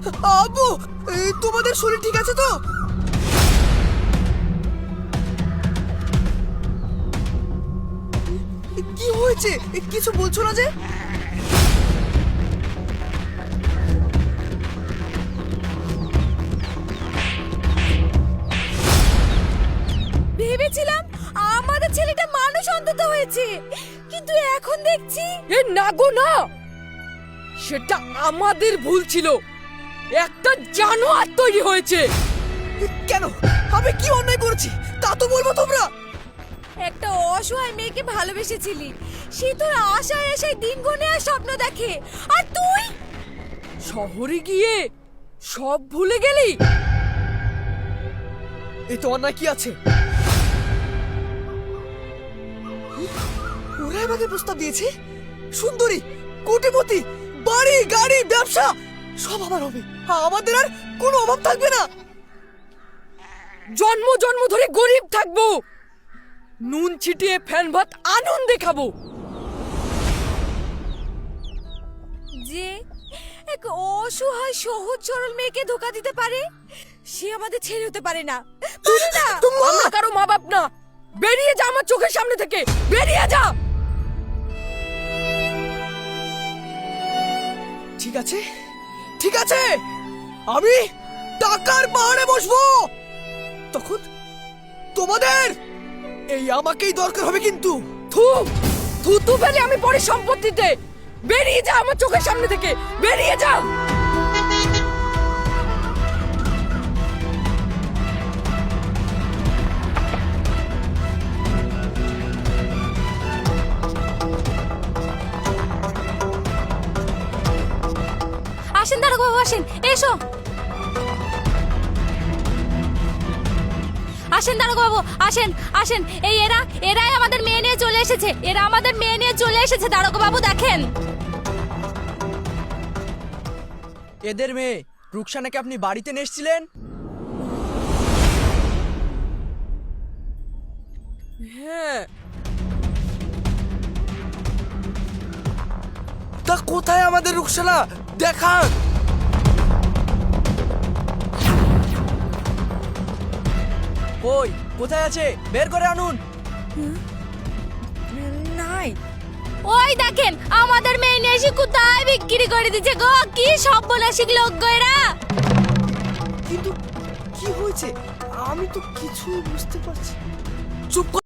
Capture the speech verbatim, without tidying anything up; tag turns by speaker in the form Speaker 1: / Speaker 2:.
Speaker 1: আব্বু, এই তোমাদের শরীর ঠিক আছে তো? কি হয়েছে? কিছু বলছো না যে?
Speaker 2: ভেবেছিলাম আমাদের ছেলেটা মানুষ অন্তত হয়েছে, কিন্তু এখন দেখছি
Speaker 3: এ না গো না, সেটা আমাদের ভুল ছিল। একটা জানোয়ার তৈরি হয়েছে।
Speaker 1: কেন? আমি কি অন্যায় করেছি তা তো বলবো তোমরা।
Speaker 2: একটা অসহায় মেয়েকে ভালোবেসেছিলি, সে তোর আশায় আশায় দিন গুনে আর স্বপ্ন দেখে, আর তুই
Speaker 3: শহরে গিয়ে সব ভুলে গেলি।
Speaker 1: এই তো অন্যায় কি আছে? ওরা আমাকে প্রস্তাব দিয়েছে, সুন্দরী, কোটিপতি, বাড়ি গাড়ি ব্যবসা সব আমার হবে, আমাদের আর কোনো অভাব থাকবে না।
Speaker 3: জন্ম জন্ম ধরে গরিব থাকবো, নুন ছিটিয়ে ফ্যান ভাত আনন্দে খাবো।
Speaker 2: যে এক অসহায় সহজ সরল মেয়েকে ধোকা দিতে পারে, সে আমাদের ছেড়ে হতে পারে না, পারে না।
Speaker 3: আমরা কারো মা বাপ না। বেরিয়ে যা আমার চোখের সামনে থেকে, বেরিয়ে যা।
Speaker 1: ঠিক আছে, ঠিক আছে, আমি টাকার পাহাড়ে বসবো। তখন তোমাদের এই আমাকেই দরকার হবে কিন্তু।
Speaker 3: থু থু তু ফেলে আমি পরে সম্পত্তিতে। বেরিয়ে যা আমার চোখের সামনে থেকে, বেরিয়ে যা।
Speaker 2: আসেন দাঁড়াও বাবু, আসেন, এসো। আসেন দাঁড়াও বাবু, আসেন আসেন। এই এরা এরাই আমাদের মেয়ে নিয়ে চলে এসেছে, এরা আমাদের মেয়ে নিয়ে চলে এসেছে। দাঁড়াও বাবু, দেখেন।
Speaker 1: এদের মেয়ে রুকসানাকে আপনি বাড়িতে নিয়ে এসেছিলেন?
Speaker 3: হ্যাঁ।
Speaker 1: তা কোথায় আমাদের রুকসানা? দেখান। কই, কোথায় আছে? বের করে আনুন।
Speaker 3: নাই।
Speaker 2: ওই দেখেন, আমাদের মেয়ে নিয়ে এসে কোথায় বিক্রি করে দিচ্ছে গো। কি সব বলে শিখলো গো এরা।
Speaker 1: কিন্তু কি হয়েছে আমি তো কিছু বুঝতে পারছি। চুপ কর।